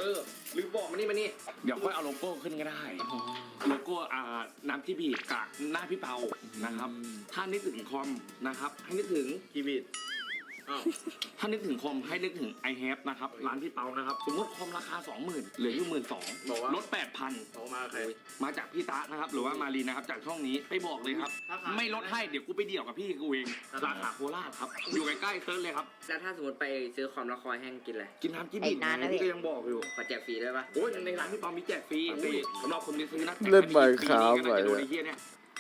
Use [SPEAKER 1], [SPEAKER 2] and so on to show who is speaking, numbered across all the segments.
[SPEAKER 1] ลืมบอกมานี่เดี๋ยวค่อยเอาโลโก้ขึ้นก็ได้โลโก้น้ำที่บีกับหน้าพี่เปานะครับถ้านึกถึงคอมนะครับให้นึกถึงกีบีถ้านึกถึงคอมให้นึกถึง i have นะครับร้านพี่เปานะครับสมมติคอมราคา 20,000เหลืออยู่ 12,000 ลด 8,000
[SPEAKER 2] โทรมาใคร
[SPEAKER 1] มาจากพี่ตานะครับหรือว่ามารีนะครับจากช่องนี้ไปบอกเลยครับไม่ลดให้เดี๋ยวกูไปเดี่ยวกับพี่กูเองสาขาโคราชครับอยู่ใกล้ๆเซิร์ชเลยครับ
[SPEAKER 3] แล้วถ้าสมมติไปซื้อคอมแล้วคอยแห้งกินอะไร
[SPEAKER 1] กินน้ำจิ้มบิดนะพี่ก็ยังบอกอยู่
[SPEAKER 3] ขอแจกฟรีได้ปะ
[SPEAKER 1] โอ้ยในร้านพี่เปามีแจกฟรีสำหรับคนที่ซื้อนะ
[SPEAKER 4] เล่นใหม่ครับไป
[SPEAKER 1] โดนไอ้เหี้ยเนี่ย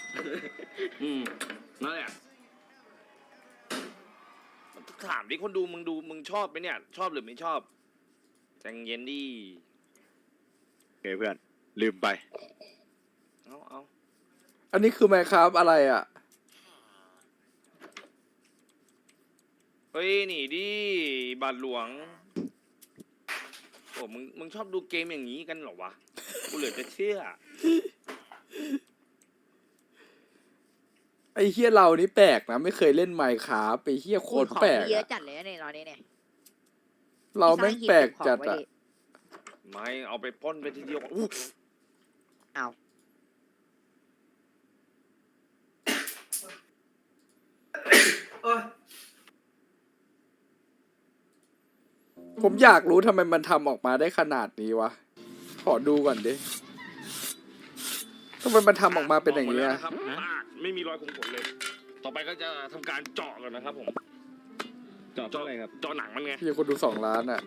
[SPEAKER 1] นั่นแหละถามดิคนดูมึงชอบไหมเนี่ยชอบหรือไม่ชอบใจเย็นดิ
[SPEAKER 2] โอเคเพื่อนลืมไป
[SPEAKER 1] เอา
[SPEAKER 4] อันนี้คือไมค์ครับอะไรอ่ะ
[SPEAKER 1] เฮ้ยหนีดิบาทหลวงโอ้มึงชอบดูเกมอย่างนี้กันเหรอวะกูเหลือจะเชื่อ
[SPEAKER 4] ไอ้เฮียเรานี่แปลกนะไม่เคยเล่นไมค์ครับไอ้เฮียโคตรแปลก
[SPEAKER 5] เยอะจัดเลยเนี่ยตอนนี้เนี่ย
[SPEAKER 4] เราแม่งแปลกจัดอะ
[SPEAKER 1] ไม่เอาไปป้นไปทีเดียว
[SPEAKER 5] เอา
[SPEAKER 4] ผมอยากรู้ทำไมมันทำออกมาได้ขนาดนี้วะขอดูก่อนดิทำไมมันทำออกมาเป็นอย่างนี้อะ
[SPEAKER 1] ไม่มีรอยขมขนเลยต่อไปก็จะทำการเจาะก่อนนะครับผมเจาะอะไรครับเจาะหนังมันไง
[SPEAKER 4] พี่คนดู2 ล้านอ่ะ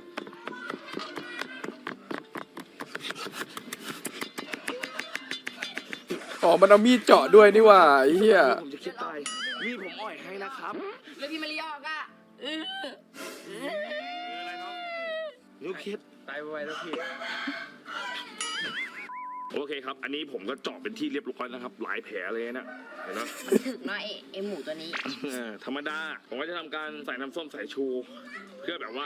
[SPEAKER 4] อ๋อมันเอามีดเจาะด้วยนี่ว่าไอ้เหี้ย
[SPEAKER 1] ผมจะคิดตายมีดผมอ่อยให้นะครับ
[SPEAKER 5] แล้วพี่มาริออกอ่ะ
[SPEAKER 1] อะไรน้องลูกคิด
[SPEAKER 3] ตายไวแล้วพี่
[SPEAKER 1] โอเคครับอันนี้ผมก็เจาะเป็นที่เรียบร้อยแล้วครับหลายแผลเลยนะเห็นไหม
[SPEAKER 5] ถึกเนาะไอหมูตัวนี้
[SPEAKER 1] ธรรมดาผมก็จะทำการใส่น้ำส้มสายชู เพื่อแบบว่า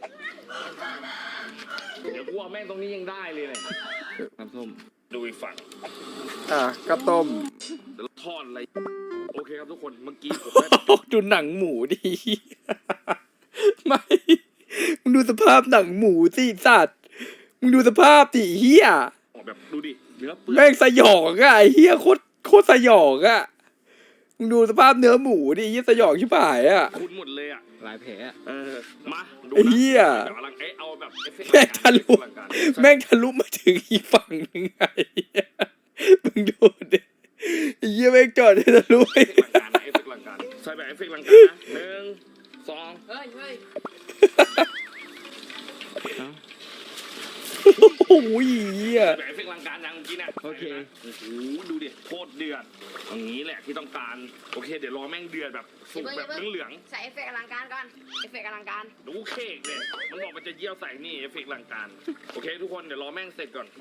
[SPEAKER 1] เดี๋ยวกูเอาแม่งตรงนี้ยังได้เลยเนี่ยน้ำส้มดูอีกฝั่ง
[SPEAKER 4] กระต้ม
[SPEAKER 1] แล้วทอดอะไรโอเคครับทุกคนเมื่อกี้ผม
[SPEAKER 4] ดูหนังหมูดิไม่มึงดูสภาพหนังหมูสิสัตว์มึงดูสภาพดิเฮีย
[SPEAKER 1] แบบดูดิเนื้อเปื่อย
[SPEAKER 4] แม่งสยองอะไอ้เฮียโคตรสยองอะมึงดูสภาพเนื้อหมูดิเฮียสยองชิบหายอะ
[SPEAKER 1] คุณหมดเลยอะ
[SPEAKER 3] หลายแผล
[SPEAKER 1] มาดู
[SPEAKER 4] นะเฮีย
[SPEAKER 1] เอาแบบ
[SPEAKER 4] แม่งทะลุมาถึงอีกฝั่งนึงไงมึงดูดิเฮียแม่งจอดทะลุไป
[SPEAKER 1] ใส่แบบเอฟเฟกต์ลังการนะ1 2
[SPEAKER 5] เฮ้ย
[SPEAKER 4] โอ้ย
[SPEAKER 1] แบบเอฟเฟกต์ลังการยังเมื่อกี้เนี่ย
[SPEAKER 3] โอเค
[SPEAKER 1] โอ้โหดูดิโคตรเดือดอย่างนี้แหละที่ต้องการโอเคเดี๋ยวรอแม่งเดือดแบบสุกแบบเหลือง
[SPEAKER 5] ใส่เอฟเฟกต์อลังการก่อนเอฟเฟกต์อลังการ
[SPEAKER 1] ดูเค้กเนี่ยมันบอกมันจะเยี่ยวใส่นี่เอฟเฟกต์ลังการโอเคทุกคนเดี๋ยวรอแม่งเสร็จก่อน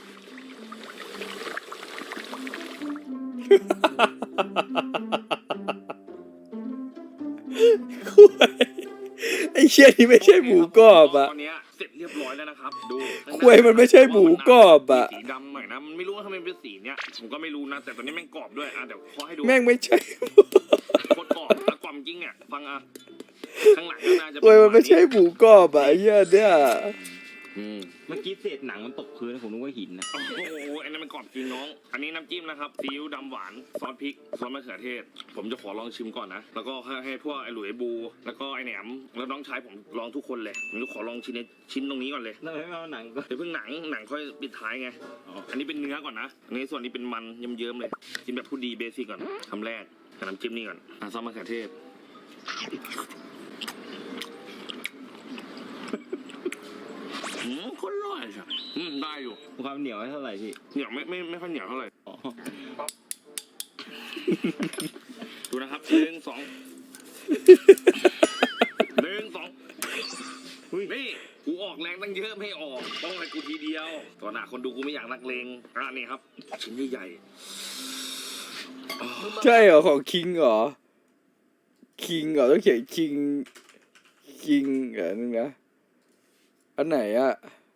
[SPEAKER 4] ไอ้เชี่ยนี่ไม่ใช่หมูกรอบอะ
[SPEAKER 1] ตอนนี้เสร็จเรียบร้อยแล้วนะครับดู
[SPEAKER 4] ควยมันไม่ใช่หมูกรอบอะ
[SPEAKER 1] สีดำหน่อยนะมันไม่รู้ว่าทำไมเป็นสีเนี้ยผมก็ไม่รู้นะแต่ตอนนี้แม่งกรอบด้วยเดี๋ยวขอให้ดู
[SPEAKER 4] แม่งไม่ใช่
[SPEAKER 1] โคตรกรอบกรอบจริงเนี่ยฟังข้างหลังก็น่าจะ
[SPEAKER 4] ควยมันไม่ใช่หมูกรอบอะไอ้เหี้ยเนี่ย
[SPEAKER 3] เมื่อกี้เศษหนังมันตกพื้นผมนึกว่าหินนะ
[SPEAKER 1] โอ้โหอันนั้นมันกรอบจริงน้องอันนี้น้ำจิ้มนะครับซีอิ๊วดำหวานซอสพริกซอสมะเขือเทศผมจะขอลองชิมก่อนนะแล้วก็ให้พวกไอ้หลุยบูแล้วก็ไอ้แหนมแล้วน้องชายผมลองทุกคนเลยผมจะขอลองชิ้นตรงนี้ก่อนเลย
[SPEAKER 3] แล้วไม่เอาหนังก็
[SPEAKER 1] เดี๋ยวเพิ่งหนังค่อยปิดท้ายไงอันนี้เป็นเนื้อก่อนนะอันนี้ส่วนนี้เป็นมันเยิ้มๆเลยกินแบบผู้ดีเบสิกก่อนคำแรกกับน้ำจิ้มนี่ก่อนซอสมะเขือเทศคนอร่อยใช่ได้อยู่
[SPEAKER 3] ความเหนียวเท่าไหร่พี่
[SPEAKER 1] เหนียวไม่ค่อยเหนียวเท่าไหร่ดูนะครับ1 2นี่กูออกแรงตั้งเยอะไม่ออกต้องให้กูทีเดียวตอนหน้าคนดูกูไม่อยากนักเลงนี่ครับชิ้นใหญ่
[SPEAKER 4] ใช่เหรอของคิงเหรอต้องเขียนคิงนึงนะอันไหนอะ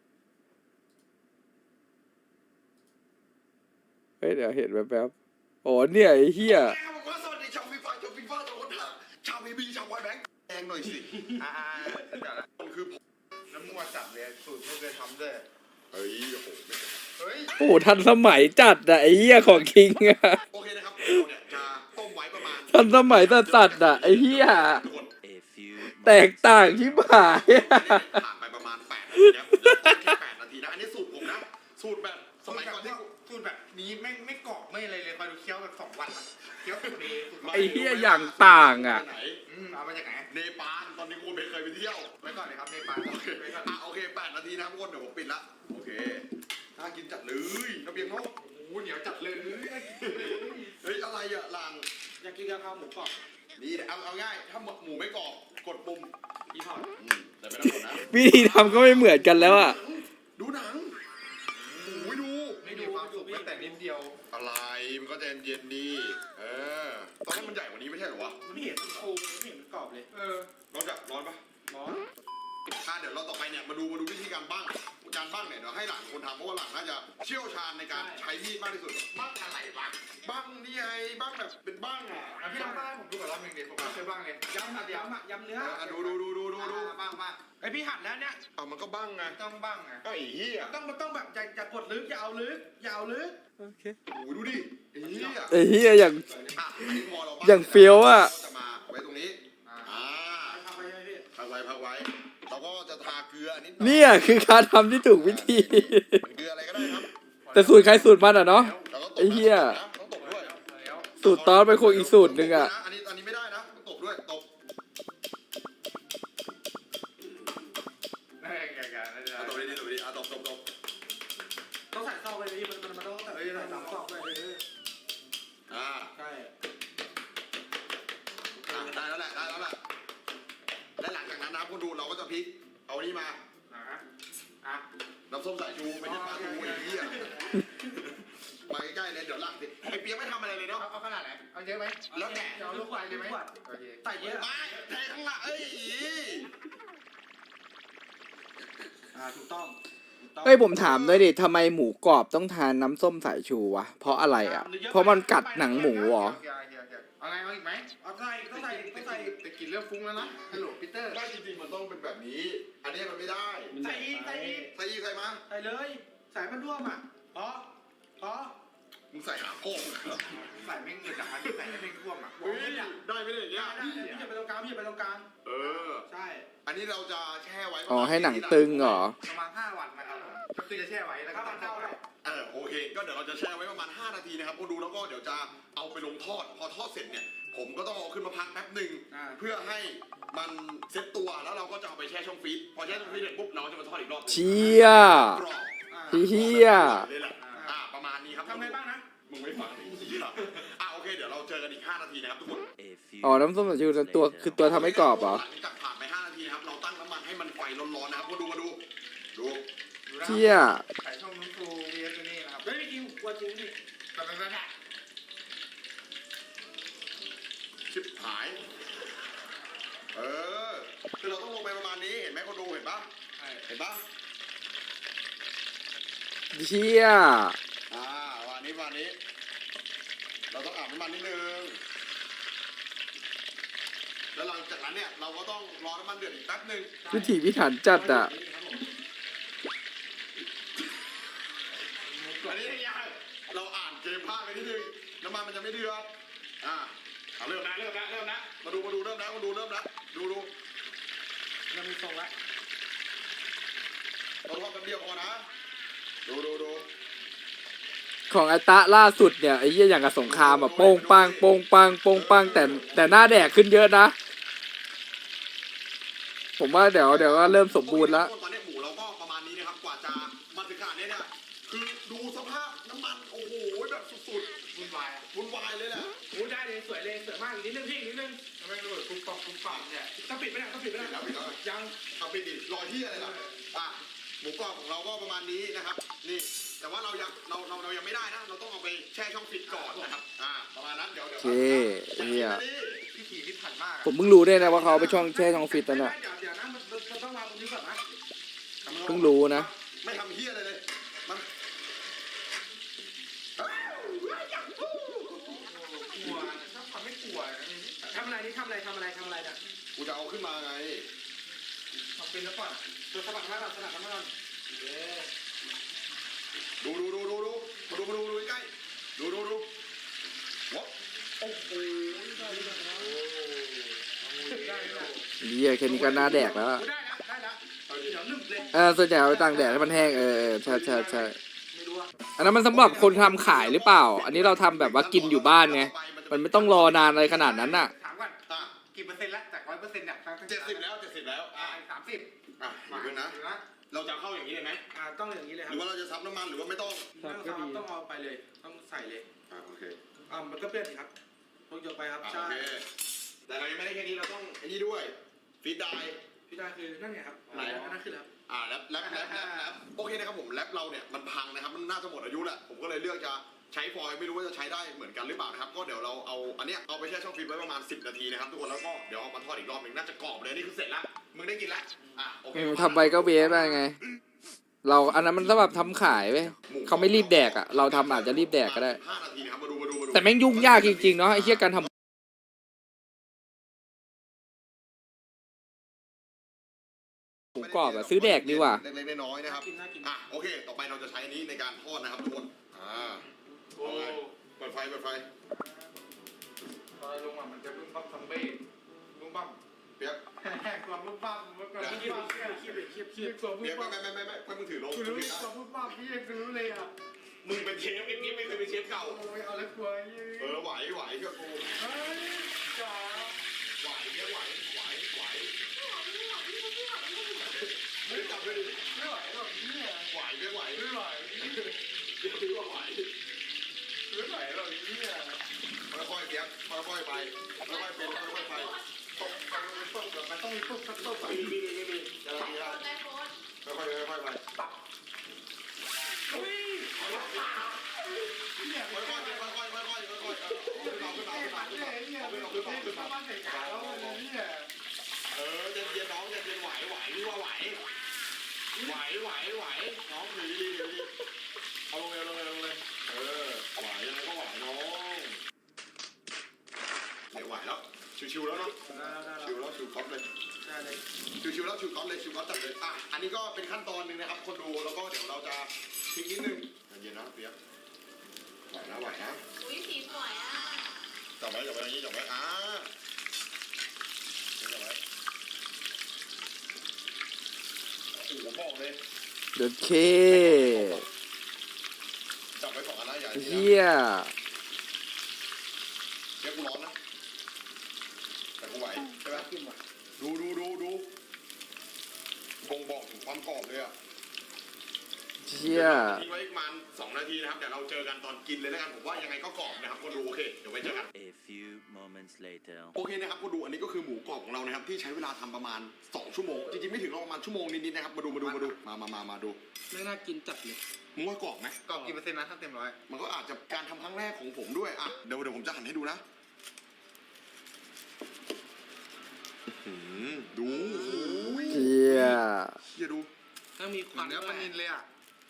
[SPEAKER 4] เดี๋ยวเห็นแป๊บๆอ๋อเนี่ยไอ้เหี้ย
[SPEAKER 2] สวัสดีชาวฟีฟ่าชาวพีบีชาวไวแบงค์แดงหน่อยสิคือ
[SPEAKER 6] มั่วจัดเลยสูตรไม่เคยทำด้วย
[SPEAKER 2] เฮ้ยโอ้โหไม่เป็นไร
[SPEAKER 6] เฮ้ย
[SPEAKER 4] โอ้โหทันสมัยจัดอะไอ้เหี้ยของคิงอะ
[SPEAKER 2] โอเคนะครับเราเนี่ยจะต้มไว้ประมาณ
[SPEAKER 4] ทันสมัยจัดอะไอ้เหี้ย
[SPEAKER 2] ทุกคน
[SPEAKER 4] แตกต่างชิบหายอะ
[SPEAKER 2] ผ่านไปประมาณ8 นาทีนะผมจะต้มแค่8 นาทีนะอันนี้สูตรผมนะสูตรแบบสมัยก่อนที่กู
[SPEAKER 6] สูตรแบบนี้ไม่กรอบไม่อะไรเลยคอยดูเคี้ยวแบบ2 วันอะเคี้ยวสูตรนี้สูตร
[SPEAKER 4] ไอ้เหี้ยอย่างต่างอะ
[SPEAKER 2] ไหน
[SPEAKER 6] เอามาจากไหน
[SPEAKER 2] เนปาลตอนนี้กูไม่เคยไปเที่ยว
[SPEAKER 6] ไว้ก่อนเลยครับในปลา
[SPEAKER 2] โอเคโอเค8 นาทีนะครับทุกคนเดี๋ยวผมปิดละโอเคน่ากินจัดเลยระเบียงเนาะ
[SPEAKER 6] โอ้โหเหนียวจัดเลย
[SPEAKER 2] เฮ้ยอะไรอะหลัง
[SPEAKER 6] อยากกินกะเพราหมูกรอบ
[SPEAKER 2] นี่เอาง่ายถ้าหมูไม่กรอบกดปุ่ม
[SPEAKER 6] อีพอร์ต
[SPEAKER 2] แต่ไม่ต้องกดนะ
[SPEAKER 4] วิธีทำก็ไม่เหมือนกันแล้วอะ
[SPEAKER 2] ดูหนังโอ้ยดู
[SPEAKER 6] ไม่ดูความสุขแม้แต่นิดเดียว
[SPEAKER 2] อะไรมันก็ใจเย็นๆดีตอนนั้นมันใหญ่กว่านี้ไม่ใช่เหรอวะ
[SPEAKER 6] มันเห็นโคมไม่เห็นมันกรอบเลย
[SPEAKER 2] ร้อนปะ
[SPEAKER 6] ร้อน
[SPEAKER 2] เดี๋ยวเราต่อไปเนี่ยมาดูวิธีการบ้างเนี่ยเดี๋ยวให้หลังคนทำเพราะว่าหลังน่าจะเชี่ยวชาญในการใช้มีดมากที่สุดบ้างอะไรวะบ้างนี่ไงบ้างแบบเป็นบ้างอ่ะ
[SPEAKER 6] พี่ลองบ้างผมดูก่อนรอบนึงเดี๋ยวผมเคยบ้างเลยย้ำเนื้อ
[SPEAKER 2] ดู
[SPEAKER 6] บ้างไอพี่หัดแล้วเนี่ย
[SPEAKER 2] มันก็บ้างไง
[SPEAKER 6] ต้องบ้างไง
[SPEAKER 2] ก็ไอ้เหี้ย
[SPEAKER 6] ต้องแบบอย่ากดลึกอย่าเอาลึก
[SPEAKER 2] โอ้ยดูดิไอ้เหี้ย
[SPEAKER 4] ไอ้เหี้ยอย่าง
[SPEAKER 2] อันนี้พอเราบ้
[SPEAKER 4] อย่างเฟี้ยวอะ
[SPEAKER 2] จะมาไว้ตรงนี้
[SPEAKER 6] ทำไปใช่ไหมพี่
[SPEAKER 2] พักไว้เราก็จะทาเกลือนิด
[SPEAKER 4] เนี่ยคือการทำที่ถูกวิธี
[SPEAKER 2] เกลืออะไรก็ได้ครับ
[SPEAKER 4] แต่สูตรใครสูตรมันอะเนาะ ไอ้เหี้ย
[SPEAKER 2] ต้องตบด้วย
[SPEAKER 4] สูตรตอนเป็นคนอีกสูตรหนึ่งอะ
[SPEAKER 2] อันนี้ไม่ได้นะต้องตบด้วยตบ
[SPEAKER 6] ได้
[SPEAKER 2] ตบดีตบ
[SPEAKER 6] ต้องใส่ซอกเลยพี่มันต้องใส่3 ซอกด้วย
[SPEAKER 2] ใช่ได้แล้วแหละและหลังจากนั้นนะคุณดูเราก็จะพลิกเอานี่มาน้ำส้มสายชูไม่ใช่ปลาทูไอ้เหี้ยมาใกล้ๆเลยเดี๋ยวหลังสิไอ้เปียกไม่ทำอะไรเลยเนาะ
[SPEAKER 6] เอาขนาดไหนเอาเยอะไหม
[SPEAKER 2] แล้วแต่
[SPEAKER 6] เอาลูกควายเลยไหมใส่เยอะ
[SPEAKER 2] ไม่แทงข้างหลัง
[SPEAKER 6] ถูกต้อง
[SPEAKER 4] เฮ้ยผมถามด้วยดิทำไมหมูกรอบต้องทานน้ำส้มสายชูวะ เพราะอะไรอะเพราะมันกัดหนังหมูเหรอ
[SPEAKER 6] เอาไงเอาอีกไหมเอาต้องใส่แต่กินเริ่มฟุ้งแล้วนะฮัลโหลปีเตอร์
[SPEAKER 2] ได้จริงๆมันต้องเป็นแบบนี้ อันนี้มันไม่ได้
[SPEAKER 6] ใส่อีก
[SPEAKER 2] ใส่มา
[SPEAKER 6] ใส่เลยใส่มันร่วมอ่ะพอ
[SPEAKER 2] มึงใส่หาโค้ง
[SPEAKER 6] ใส่แม่งเลยจากอันใส่แม่งร่วมอ่ะ
[SPEAKER 2] เฮ้ยได้ไหมเนี่ย
[SPEAKER 6] ได้พี่อย่าไปตรงกลางใช่
[SPEAKER 2] อันนี้เราจะแช่ไว้
[SPEAKER 4] อ๋อให้หนังตึงเหรอ
[SPEAKER 6] ประมาณ5 วันนะครับก็คือจะแช่ไว้แล้วก็ตั้งเข้า
[SPEAKER 2] โอเคก็เดี๋ยวเราจะแช่ไว้ประมาณ5 นาทีนะครับก็ดูแล้วก็เดี๋ยวจะเอาไปลงทอดพอทอดเสร็จเนี่ยผมก็ต้องเอาขึ้นมาพักแป๊บหนึ่งเพื่อให้มันเซ็ตตัวแล้วเราก็จะเอาไปแช่ช่องฟรีซพอแช่ช่องฟรีซเสร็จปุ๊บเราจะมาทอดอีกรอบ
[SPEAKER 4] เชี่ย
[SPEAKER 2] กรอบ
[SPEAKER 4] เฮีย
[SPEAKER 2] เลยแหละประมาณนี้ครับ
[SPEAKER 6] ทำไงบ้างนะ
[SPEAKER 2] มึงไม่ฟังโอเคเดี๋ยวเราเจอกันอีก5 นาทีนะครับทุกคน
[SPEAKER 4] อ๋อน้ำส้มสายชูตัวคือตัวทำให้กรอบเหรอ
[SPEAKER 2] หลังจากผ่านไป5 นาทีนะครับเราตั้งน้ำมันให้มันไฟร้อนๆนะครับมาดู
[SPEAKER 4] เชี่ย
[SPEAKER 6] ใส่ช่องนู้นครูเวียตัวนี้นะครับไม่จริงกลัวจริงดิแต่เป็นแบบ
[SPEAKER 2] ชิบหายคือเราต้องลงไปประมาณนี้เห็นไหมคนดูเห็นปะ
[SPEAKER 4] เชี่ย
[SPEAKER 2] วันนี้เราต้องอาบน้ำมันนิดนึงแล้วหลังจากนั้นเนี่ยเราก็ต้องรอน้ำมันเดือดอีกแป๊บนึง
[SPEAKER 4] วิถีพิถันจัดอะ
[SPEAKER 2] อันนี้เราอ่านเกมพลาดไปนิดนึงน้ำมันมันจะไม่เดือดเริ่มนะมาดูเริ่มนะดูเริ่มมีทรงละเราทอดกันเดียวพอนะดู
[SPEAKER 4] ของไอตะล่าสุดเนี่ยไอ้เหี้ยอย่างกับสงครามอะโป้งปังแต่หน้าแดกขึ้นเยอะนะ ผมว่าเดี๋ยวก็เริ่มสมบูรณ์แล้ว
[SPEAKER 2] ตอนนี้หมูเราก็ประมาณนี้นะครับกว่าจะมาถึงขนาดนี้เนี่ยคือดูสภาพน้ำมันโอ้โหแบบสุดๆวุ่นวายเลยแหละ
[SPEAKER 6] โอ้ได้เลยสวยมากอีกนิดนึงพี่นิดนึงทำไมระเบิดปุ๊บปับเนี่ยต้องปิดไม่ได้ยัง
[SPEAKER 2] ทำไปดิรอที่อะไรล่ะหมูกรอบของเราก็ประมาณนี้นะครับนี่แต่ว่าเรายังไม่ได้นะเราต้องเอาไปแช่ช่องฟิตก่อนนะครับประมาณนั้นเดี๋ยว
[SPEAKER 4] โอเคเฮีย
[SPEAKER 6] พี่ขี่พิถันมาก
[SPEAKER 4] ผมเพิ่งรู้ด้วยนะว่าเขาเอาไปช่องแช่ช่องฟิตแล้วน่ะ
[SPEAKER 6] เดี๋ยวนะมันต้องวางตรงนี้ก่อนนะ
[SPEAKER 4] เพิ่งรู้นะ
[SPEAKER 2] ไม่ทำเฮี้ยอะไรเลยมัน
[SPEAKER 6] กลัวถ้าทำไม่กลัวทำอะไรนี่ทำอะไรเนี่ย
[SPEAKER 2] กูจะเอาขึ้นมาไง
[SPEAKER 6] ทำเป็นแล้วก่อนสลับมาก่อนสลับมาก่อน
[SPEAKER 2] ดูใกล้ดูวะโอ้โห
[SPEAKER 4] เหี้ยแค่นี้ก็น่าแดกแล้วอะ
[SPEAKER 6] ได้แล้วเดี๋ยวนึ่งเลย
[SPEAKER 4] ส่วนใหญ่เอาไปตากแดดให้มันแห้งใช่
[SPEAKER 6] ไม่รู้อ่ะ
[SPEAKER 4] อันนั้นมันสำหรับคนทำขายหรือเปล่า อันนี้เราทำแบบว่ากินอยู่บ้านไงมันไม่ต้องรอนานอะไรขนาดนั้นน่ะ
[SPEAKER 6] ถามก่อนกี่เปอร์เซ็นต์แล้วจาก100%เนี่ย
[SPEAKER 2] 70 แล้ว
[SPEAKER 6] 30
[SPEAKER 2] อ่ะเดี๋ยวนะเราจะเข้าอย่างนี้เลยไหม
[SPEAKER 6] ต้องอย่างนี้เลยค
[SPEAKER 2] ห
[SPEAKER 6] รับ
[SPEAKER 2] รือว่าเราจะซับน้ำมันหรือว่าไม่ต้อง
[SPEAKER 6] ต้องเอาไปเลยต้องใส่เลย
[SPEAKER 2] โอเค
[SPEAKER 6] มันก็เปรี้ยวสิครับต้องยกไปครับ
[SPEAKER 2] โอ
[SPEAKER 6] ใช่
[SPEAKER 2] เคแต่เรายังไม่ได้แค่นี้เราต้องไอ้นี่ด้วยฟีดได
[SPEAKER 6] พี่ดาคือนั่นไงครับนั่นคือครับ
[SPEAKER 2] แล้วโอเคนะครับผมแรปเราเนี่ยมันพังนะครับมันน่าจะหมดอายุแหละผมก็เลยเลือกจะใช้ฟอยล์ไม่รู้ว่าจะใช้ได้เหมือนกันหรือเปล่านะครับก็เดี๋ยวเราเอาอันเนี้ยเอาไปแช่ช่องฟิล์มไว้ประมาณ10 นาทีนะครับทุกคนแล้วก็เดี๋ยวเอามาทอดอีกรอบหนึงน่าจะกรอบเลยนี่คือเสร็จแล้วมึงได้กินแล้วโอเค
[SPEAKER 4] ทำไปก็เวฟได้ไง เราอันนั้นมันสำหรับทำขายเว้ยเขาไม่รีบแดกอ่ะเราทำอาจจะรีบแดกก็ได้
[SPEAKER 2] 5 นาทีนะครับมาดู
[SPEAKER 4] แต่แม่งยุ่งยากจริงๆเนาะไอ้เหี้ยการทำหมูกรอบอะซื้อแดกดีกว่า
[SPEAKER 2] เล็กๆน้อยๆนะครับ
[SPEAKER 6] น่ากิน
[SPEAKER 2] โอเคต่อไปเราจะใช้อันนี้ในการทอดนะครับทุกคน
[SPEAKER 6] โอ้
[SPEAKER 2] เปิดไฟ
[SPEAKER 6] ตอนลงมันจะบึ้มบั้มซัมเบ้บึ้มบั้ม
[SPEAKER 2] เปียก
[SPEAKER 6] ความบึ้มบั้มมันก็บึ้มบั้มขี้ความบึ้
[SPEAKER 2] เปีย
[SPEAKER 6] ม
[SPEAKER 2] ก
[SPEAKER 6] บั้ม
[SPEAKER 2] ไม่มึงถือลง
[SPEAKER 6] คุณรู้ความบึ้มบั้มพี่ยังรู้เลยอ่ะ
[SPEAKER 2] มึงเป็นเชฟนี่ไม่เคยเป็นเชฟเก่า
[SPEAKER 6] โอ้ยเอาแล้วกลัวยี่
[SPEAKER 2] ไหวเชื่อกู
[SPEAKER 6] เฮ้ยจ๋า
[SPEAKER 2] ไหวไม่จับเลยดิ
[SPEAKER 6] ไม่ไหวหรอกเนี่ย
[SPEAKER 2] ไหว
[SPEAKER 6] ไม่ไหว
[SPEAKER 2] เดี๋ยวไหว
[SPEAKER 6] ไม่ไหวหรอกเนี่ย
[SPEAKER 2] ค่อยๆเปียกค่อยๆไปค่อยๆเป็นค่อยๆไป
[SPEAKER 6] ตบมันต้องมีตุ๊บสักตุ๊บอ่ะ
[SPEAKER 2] มีอะไรดีล่ะค่อยๆไป
[SPEAKER 6] เฮ้ยเนี่ย
[SPEAKER 2] ค่อยๆขึ้นมา
[SPEAKER 6] บ้านใส่ขาแล้วเนี่ย
[SPEAKER 2] เย็นน้องเย็นไหวนี่ว่าไหวน้องดีเอาลงเลยไหวยังไงก็ไหวน้องเนี่ยไหวแล้วชิวๆแล้วเนาะชิวก๊อตเลยชิวก๊อตจัดเลยอันนี้ก็เป็นขั้นตอนหนึ่งนะครับคนดูแล้วก็เดี๋ยวเราจะทิ้งนิดนึงเย็นนะเปียกไหวนะ
[SPEAKER 5] อุ้ยสีสวยอ่ะ
[SPEAKER 2] จับไว้อย่างนี้จับไว้โอ้โหบอกเลย
[SPEAKER 4] เดินเค
[SPEAKER 2] จับไว้2 อันนะอย่า
[SPEAKER 4] เหี้ย
[SPEAKER 2] เดี๋ยวกูร้อนนะแต่กูไหวใช่ไหมดูบ่งบอกถึงความกรอบเลยอ่ะ
[SPEAKER 4] เหี้ย
[SPEAKER 2] ทิ้งไว้ประมาณ2 นาทีนะครับเดี๋ยวเราเจอกันตอนกินเลยแล้วกันผมว่ายังไงก็กรอบนะครับคนดูโอเคเดี๋ยวไว้เจอกัน
[SPEAKER 7] A few moments later.
[SPEAKER 2] โอเคนะครับคนดูอันนี้ก็คือหมูกรอบของเรานะครับที่ใช้เวลาทำประมาณ2 ชั่วโมงจริงๆไม่ถึงประมาณชั่วโมงนิดๆนะครับมาดูมาดู
[SPEAKER 6] ไม่น่ากินจัดเลย
[SPEAKER 2] มึงว่ากรอบไหม
[SPEAKER 6] กรอบกี่เปอร์เซ็นต์นะถ้าเต็ม100
[SPEAKER 2] มันก็อาจจะการทำครั้งแรกของผมด้วยเดี๋ยวผมจะหั่นให้ดูนะดู
[SPEAKER 4] เหี้ย
[SPEAKER 2] อย่าดู
[SPEAKER 6] ถ้ามีควันเนื้อปลานิลเลยอ่ะ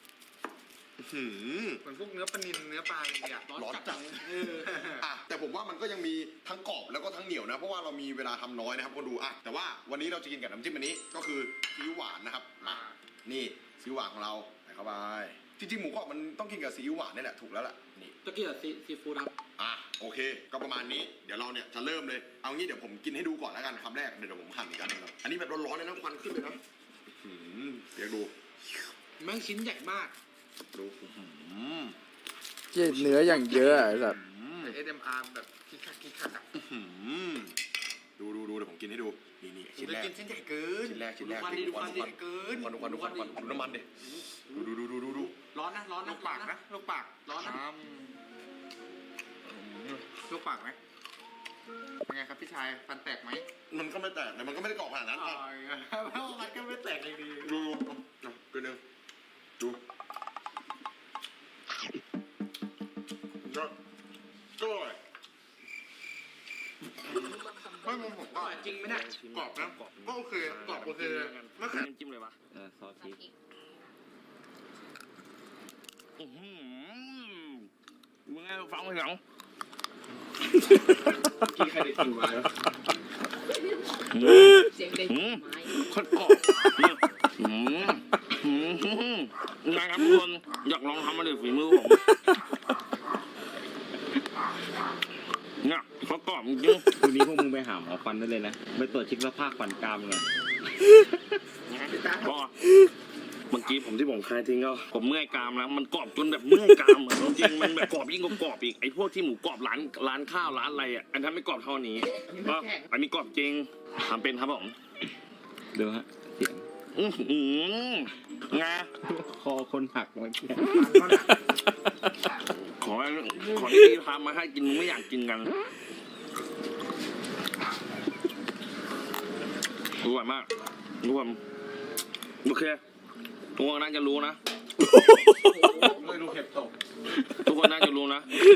[SPEAKER 6] เหมือนพวกเนื้อปลานิลเนื้อปลาเลยอ่ะ
[SPEAKER 2] ร้อนจัดแต่ผมว่ามันก็ยังมีทั้งกรอบแล้วก็ทั้งเหนียวนะเพราะว่าเรามีเวลาทำน้อยนะครับคนดูแต่ว่าวันนี้เราจะกินกับน้ำจิ้มอันนี้ก็คือซีอิ๊วหวานนะครับนี่ซีอิ๊วหวานของเราใส่เข้าไปจริงๆหมูกรอบมันต้องกินกับซีอิ๊วหวานนี่แหละถูกแล้วล่ะนี่
[SPEAKER 6] ตะกี้อะซีฟู้ดครับ
[SPEAKER 2] โอเคก็ประมาณนี้เดี๋ยวเราเนี่ยจะเริ่มเลยเอางี้เดี๋ยวผมกินให้ดูก่อนแล้วกันคำแรกเดี๋ยวผมหั่นอีกอันนึงครับอันนี้แบบร้อนๆเลยนะควันขึ้นเลยนะเดี๋ยวดู
[SPEAKER 6] แม่งชิ้นใหญ่มาก
[SPEAKER 2] ดู
[SPEAKER 4] เหี้ยเนื้ออย่างเยอะไอ้สัส
[SPEAKER 6] ASMR แบบคิกคักอ่ะ
[SPEAKER 2] ดูเดี๋ยวผมกินให้ดูนี่ชิ้นแรก
[SPEAKER 6] กินชิ้นใหญ่เกิน
[SPEAKER 2] ชิ้นแรก
[SPEAKER 6] ดูควันดิดูควันดิเกิน
[SPEAKER 2] ควันดูน้ำมันดิดู
[SPEAKER 6] ร้อนนะลูกปากนะลูกปากร้อนนะลูกปากไหมเป็นไงครับพี่ชายฟันแตกไหม
[SPEAKER 2] มันก็ไม่แตกแต่มันก็ไม่ได้กรอบขนาดนั้น
[SPEAKER 6] เพราะมันก็ไม่แตกเลยดี
[SPEAKER 2] ดูกินหนึ่งดูก็อร่อย
[SPEAKER 6] เฮ้ยผมก็จริงไหมเนี่ยกรอบนะก็โอเคกรอบโอเคไม่แข็ง
[SPEAKER 3] น้ำจิ้มเลยวะซอสพริกมึงไงฟังไม่หรอกี่ใครได้กินมาแล้ว
[SPEAKER 5] เสียงเด็กไม้
[SPEAKER 3] คนกรอบ
[SPEAKER 1] ไงครับทุกคนอยากลองทำมาเลยฝีมือผมเนี่ยเขากรอบจริง
[SPEAKER 3] คืนนี้พวกมึงไปหาหมอฟันได้เลยนะไปตรวจเช็คสภาพฟันกรามเลย
[SPEAKER 1] ก็เมื่อกี้ที่ผมคลายทิ้งก็ผมเมื่อยกรามแล้วมันกรอบจนแบบเมื่อยกรามจริงๆมันแบบกรอบยิ่งกว่ากรอบอีกไอ้พวกที่หมูกรอบร้านข้าวร้านอะไรอ่ะอันนั้นไม่กรอบเท่านี้ก็อันนี้กรอบจริงทำเป็นครับผม
[SPEAKER 3] ดูฮะเสียง
[SPEAKER 1] งา
[SPEAKER 3] คอคนหักเมื่อกี้
[SPEAKER 1] ขอที่พี่ทำมาให้กินไม่อยากกินกันอร่อยมากทุกคนโอเคทุกคนน่าจะรู้นะ
[SPEAKER 6] ไม่รู้เห็บตก
[SPEAKER 1] ทุกคนน่าจะรู้นะ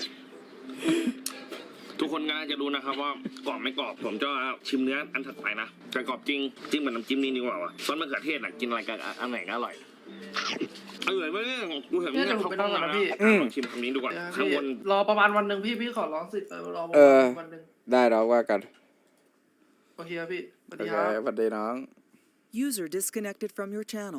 [SPEAKER 1] ทุกคนน่าจะรู้นะครับว่ากรอบไม่กรอบผมจะชิมเนื้ออันถัดไปนะแต่กรอบจริงจิ้มกับน้ำจิ้มนี่ดีกว่าวะซอสมะเขือเทศน่ะกินอะไรกันอันไหนก็อร่อยอร่อยมากเนี่ยกูเห็นเนี่ยเขาต้องนะลองชิมคำนี้ดูก่อนข้างบน
[SPEAKER 6] รอประมาณวันหนึ่งพี่ขอร้องสิรอประ
[SPEAKER 4] เอ
[SPEAKER 6] มา
[SPEAKER 4] อ
[SPEAKER 6] ณวันหนึ่ง
[SPEAKER 4] ได้เราว่ากัน
[SPEAKER 6] โอเคครับพี่สวัส
[SPEAKER 4] โอ
[SPEAKER 6] ดี
[SPEAKER 4] เค
[SPEAKER 6] ครับ
[SPEAKER 4] สวัสดีน้อง
[SPEAKER 8] User disconnected from your channel.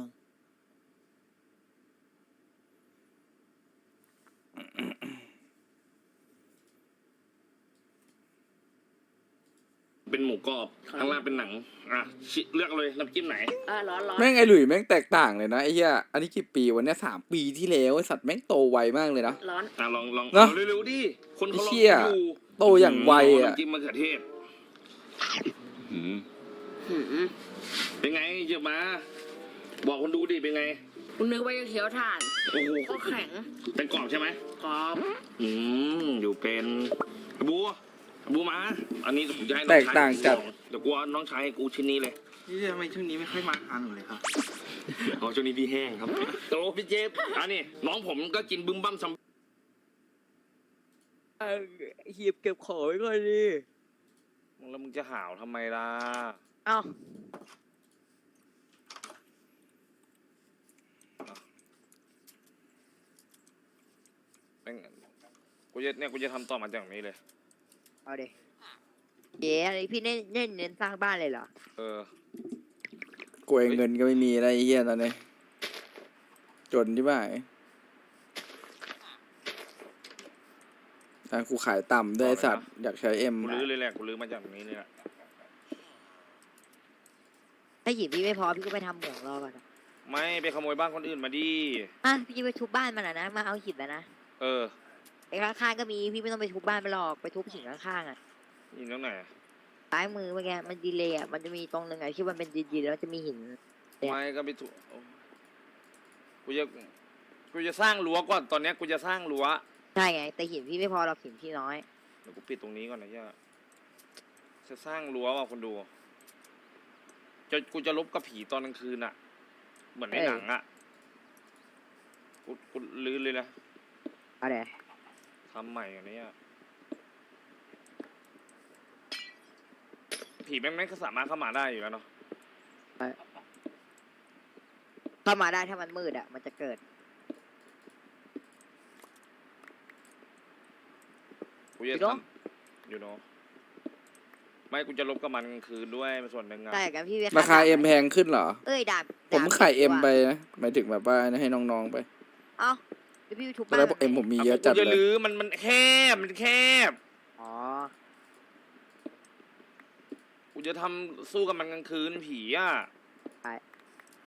[SPEAKER 1] เป็นหมูกรอบข้างล่างเป็นหนังอ่ะเลือกเลยน้ำจิ้มไหน
[SPEAKER 5] ร้อน
[SPEAKER 4] แม่งไอหลุยแม่งแตกต่างเลยนะไอ้เหี้ยอันนี้กี่ปีวันนี้3 ปีที่แล้วไอสัตว์แม่งโตไวมากเลยนะ
[SPEAKER 5] ร้อน
[SPEAKER 1] อ่ะลอง
[SPEAKER 4] เนอะ
[SPEAKER 1] เร็วๆดิคนเขารอ
[SPEAKER 4] ไอ้เหี้ย
[SPEAKER 1] ดู
[SPEAKER 4] โตอย่างไวอ่ะ
[SPEAKER 1] น้ำจิ้มมะเขือเทศ
[SPEAKER 3] หืม
[SPEAKER 1] เป็นไงเยอะมา บอกคนดูดิเป็นไง
[SPEAKER 5] คุณนึกว่าจะเคี้ยวถ่าน
[SPEAKER 1] โอ้โห
[SPEAKER 5] ก็แข็ง
[SPEAKER 1] เป็นกรอบใช่ไหม
[SPEAKER 5] กรอบ
[SPEAKER 1] อยู่เป็นบูมา อันนี้ผมจะให้น้
[SPEAKER 4] แต
[SPEAKER 1] อง
[SPEAKER 4] ก
[SPEAKER 1] ชาย
[SPEAKER 4] ต่างจัด
[SPEAKER 1] เดี๋ยวกูเอาน้องชายให้กูชิ้นนี้เลย
[SPEAKER 6] นี่ทำไมช่วงนี้ไม่ค่อยมาทานเลยครับ
[SPEAKER 1] อ๋อช่วงนี้พี่แห้งครับโตพี่เจฟอันนี้น้องผมก็กินบึ้มบั้มซัม
[SPEAKER 3] หีบเก็บของไว้ก่อนดิ
[SPEAKER 1] แล้วมึงจะห่าวทำไมล่ะ
[SPEAKER 5] เอ้า
[SPEAKER 1] กูจะทำต่อมาจากนี้เลย
[SPEAKER 5] เอาดิเย้อะไรพี่เน้นสร้างบ้านเลยเหรอ
[SPEAKER 1] เออ
[SPEAKER 4] กูเองเงินก็ไม่มีอะไรไอ้เหี้ยตอนนี้จนที่บ้านกูขายต่ำด้วยไอ้สัตว์อยากใช้เอ็ม
[SPEAKER 1] กูลื้อเลยแหละกูลื้อมาจากนี้เลยแหละ
[SPEAKER 5] ถ้าหยิบพี่ไม่พอพี่ก็ไปทำเหมืองรอก่อนนะ
[SPEAKER 1] ไม่ไปขโมยบ้านคนอื่นมาดิ
[SPEAKER 5] อ่ะพี่จะไปทุบบ้านมันนะมาเอาหินแล้วนะ
[SPEAKER 1] เออ
[SPEAKER 5] ไอ้ข้างๆก็มีพี่ไม่ต้องไปทุบบ้านมันหรอกไปทุบหินข้างๆอ่ะ
[SPEAKER 1] ยินตรงไหน
[SPEAKER 5] ซ้ายมือเมื่อกี้มันดีเลยอ่ะมันจะมีตรงหนึ่งอ่ะที่มันเป็นดีๆแล้วจะมีหิน
[SPEAKER 1] ไม่ก็ไปถูกกูจะสร้างรั้วก่อนตอนเนี้ยกูจะสร้างรั้ว
[SPEAKER 5] ใช่ไงแต่หินพี่ไม่พอเราหินพี่น้อย
[SPEAKER 1] เดี๋ยวกูปิดตรงนี้ก่อนนะย่าจะสร้างรั้วว่ะคนดูกูจะลบกับผีตอนกลางคืนอ่ะ เหมือนในหนังอ่ะกูลื้อเลยนะ
[SPEAKER 5] เอาเดี๋ยว
[SPEAKER 1] ทำใหม่อันนี้ผีแม่งก็สามารถเข้ามาได้อยู่แล้วเนาะ
[SPEAKER 5] เข้ามาได้ถ้ามันมืดอ่ะมันจะเกิด
[SPEAKER 1] กูจะทำอยู่เนาะไม่กูจะลบกับมันกลางคืนด้วยส่วนหนึ่งอะ
[SPEAKER 5] แต่กันพี่ไป
[SPEAKER 4] ราคาเอ็มแพงขึ้นเหรอ
[SPEAKER 5] เอ้ยดาบ
[SPEAKER 4] ผมขายเอ็มไปนะหมายถึงแบบว่าให้น้องๆไป
[SPEAKER 5] เอ้าเดี๋ยวพี่ไปทุบ
[SPEAKER 4] ตอ
[SPEAKER 5] บ้าน น
[SPEAKER 4] แรกเอ็มผมมีเยอะจัด
[SPEAKER 1] กูจะ
[SPEAKER 4] เลย
[SPEAKER 1] ลื้อมันแคบ
[SPEAKER 5] อ๋อ
[SPEAKER 1] กูจะทำสู้กับมันกลางคืนผีอ่ะ